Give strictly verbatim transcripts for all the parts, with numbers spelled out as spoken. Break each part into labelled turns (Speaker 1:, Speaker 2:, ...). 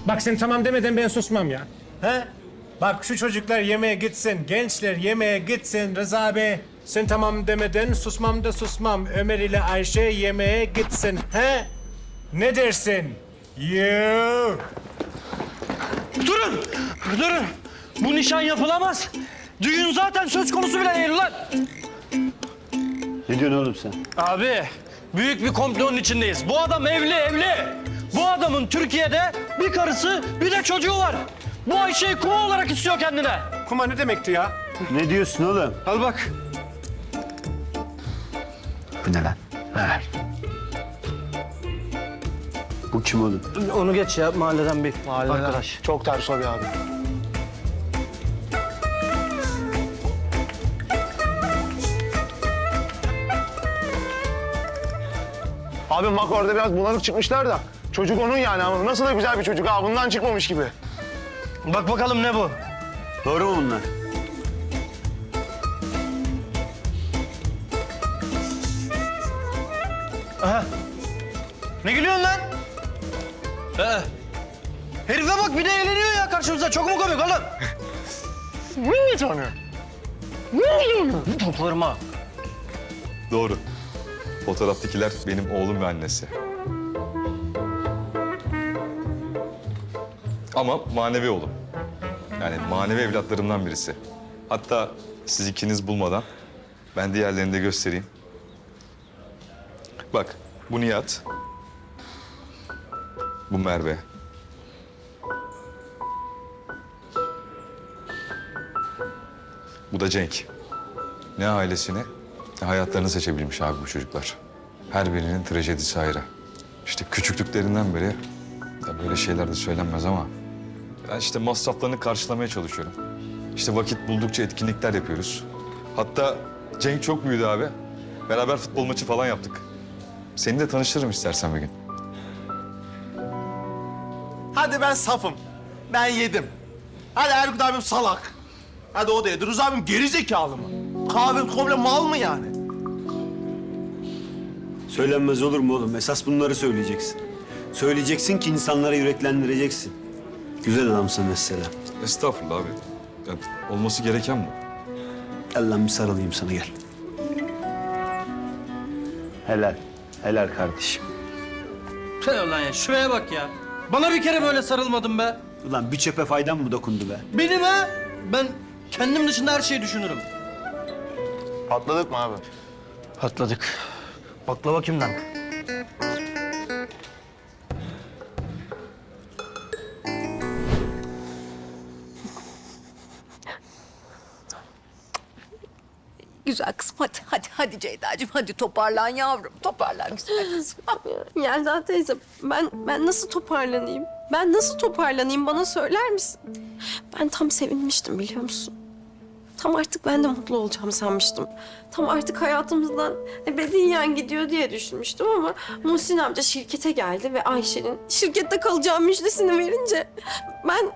Speaker 1: Bak sen tamam demeden ben susmam ya.
Speaker 2: He? Bak şu çocuklar yemeğe gitsin, gençler yemeğe gitsin Rıza abi. Sen tamam demeden susmam da susmam. Ömer ile Ayşe yemeğe gitsin. He? Ne dersin? Yoo.
Speaker 3: Durun! Durun! Bu nişan yapılamaz. Düğün zaten söz konusu bile değil lan.
Speaker 4: Ne diyorsun oğlum sen?
Speaker 3: Abi, büyük bir komplonun içindeyiz. Bu adam evli, evli. Bu adamın Türkiye'de bir karısı, bir de çocuğu var. Bu Ayşe'yi kuma olarak istiyor kendine.
Speaker 2: Kuma ne demekti ya?
Speaker 4: Ne diyorsun oğlum?
Speaker 3: Al bak.
Speaker 4: Bu ne lan? Ver. Bu kim oğlum?
Speaker 3: Onu geç ya, mahalleden bir arkadaş.
Speaker 5: Çok ters o bir abi. Abi bak orada biraz bulanık çıkmışlar da. Çocuk onun yani ama nasıl da güzel bir çocuk ha. Bundan çıkmamış gibi.
Speaker 3: Bak bakalım ne bu?
Speaker 4: Doğru mu bunlar?
Speaker 3: Aha. Ne gülüyorsun lan? Ee, herife bak bir de eğleniyor ya karşımıza. Çok mu komik oğlum?
Speaker 5: Bir tane.
Speaker 3: Toplarım ha.
Speaker 6: Doğru. Fotoğraftakiler benim oğlum ve annesi. Ama manevi oğlum. Yani manevi evlatlarımdan birisi. Hatta siz ikiniz bulmadan ben diğerlerini de göstereyim. Bak, bu Nihat. Bu Merve. Bu da Cenk. Ne ailesini, ne hayatlarını seçebilmiş abi bu çocuklar. Her birinin trajedisi ayrı. İşte küçüklüklerinden beri, ya böyle şeyler de söylenmez ama... ben işte masraflarını karşılamaya çalışıyorum. İşte vakit buldukça etkinlikler yapıyoruz. Hatta Cenk çok büyüdü abi. Beraber futbol maçı falan yaptık. Seni de tanıştırırım istersen bir gün.
Speaker 7: Hadi ben safım. Ben yedim. Hadi Erkut abim salak. Hadi o da yedi. Rıza abim geri zekalı mı? Kahve komple mal mı yani?
Speaker 4: Söylenmez olur mu oğlum? Esas bunları söyleyeceksin. Söyleyeceksin ki insanlara yüreklendireceksin. Güzel adamsın mesela.
Speaker 6: Estağfurullah abi. Ya, olması gereken bu.
Speaker 4: Gel lan bir sarılayım sana gel. Helal. Helal kardeşim.
Speaker 3: Tüh lan ya, şuraya bak ya. Bana bir kere böyle sarılmadın be.
Speaker 4: Ulan bir çöpe faydan mı dokundu be?
Speaker 3: Beni be. Ben kendim dışında her şeyi düşünürüm.
Speaker 5: Patladık mı abi?
Speaker 3: Patladık. Baklava kimden?
Speaker 8: Güzel kızım hadi hadi hadi Ceyda'cığım hadi toparlan yavrum toparlan güzel kızım.
Speaker 9: Yelda teyze ben ben nasıl toparlanayım? Ben nasıl toparlanayım bana söyler misin? Ben tam sevinmiştim biliyor musun? Tam artık ben de mutlu olacağım sanmıştım. Tam artık hayatımızdan ebediyen gidiyor diye düşünmüştüm ama Muhsin amca şirkete geldi ve Ayşe'nin şirkette kalacağı müjdesini verince ben...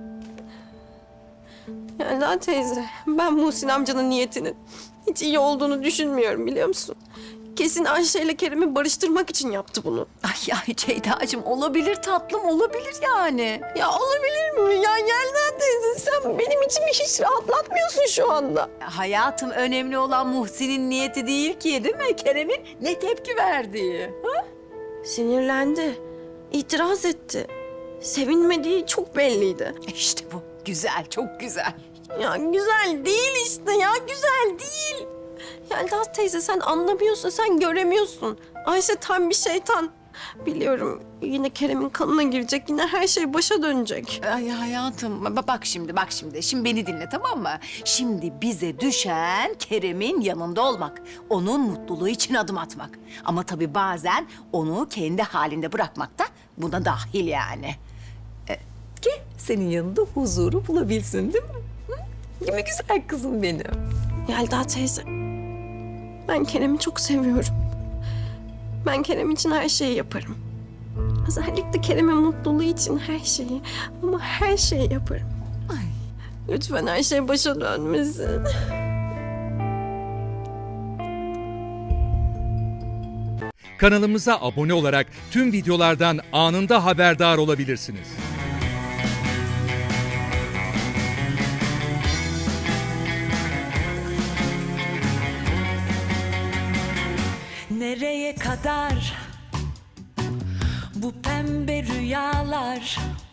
Speaker 9: Yelda teyze ben Muhsin amcanın niyetinin hiç iyi olduğunu düşünmüyorum biliyor musun? Kesin Ayşe ile Kerem'i barıştırmak için yaptı bunu.
Speaker 8: Ay ay Ceyda'cığım olabilir tatlım olabilir yani.
Speaker 9: Ya olabilir mi? Ya Yelda teyze sen benim içimi hiç rahatlatmıyorsun şu anda.
Speaker 8: Hayatım önemli olan Muhsin'in niyeti değil ki değil mi? Kerem'in ne tepki verdiği. Ha?
Speaker 9: Sinirlendi, itiraz etti. Sevinmediği çok belliydi.
Speaker 8: İşte bu güzel çok güzel.
Speaker 9: Ya güzel değil işte ya güzel değil. Yelda teyze sen anlamıyorsun, sen göremiyorsun. Ayşe tam bir şeytan. Biliyorum yine Kerem'in kanına girecek, yine her şey başa dönecek.
Speaker 8: Ay hayatım ba- bak şimdi bak şimdi. Şimdi beni dinle tamam mı? Şimdi bize düşen Kerem'in yanında olmak. Onun mutluluğu için adım atmak. Ama tabii bazen onu kendi halinde bırakmak da buna dahil yani. Ee, ki senin yanında huzuru bulabilsin değil mi? Hı? Değil mi güzel kızım benim?
Speaker 9: Yelda teyze, ben Kerem'i çok seviyorum. Ben Kerem için her şeyi yaparım. Özellikle Kerem'in mutluluğu için her şeyi, ama her şeyi yaparım.
Speaker 8: Ay.
Speaker 9: Lütfen her şey başa dönmesin.
Speaker 10: Kanalımıza abone olarak tüm videolardan anında haberdar olabilirsiniz. Nereye kadar bu pembe rüyalar?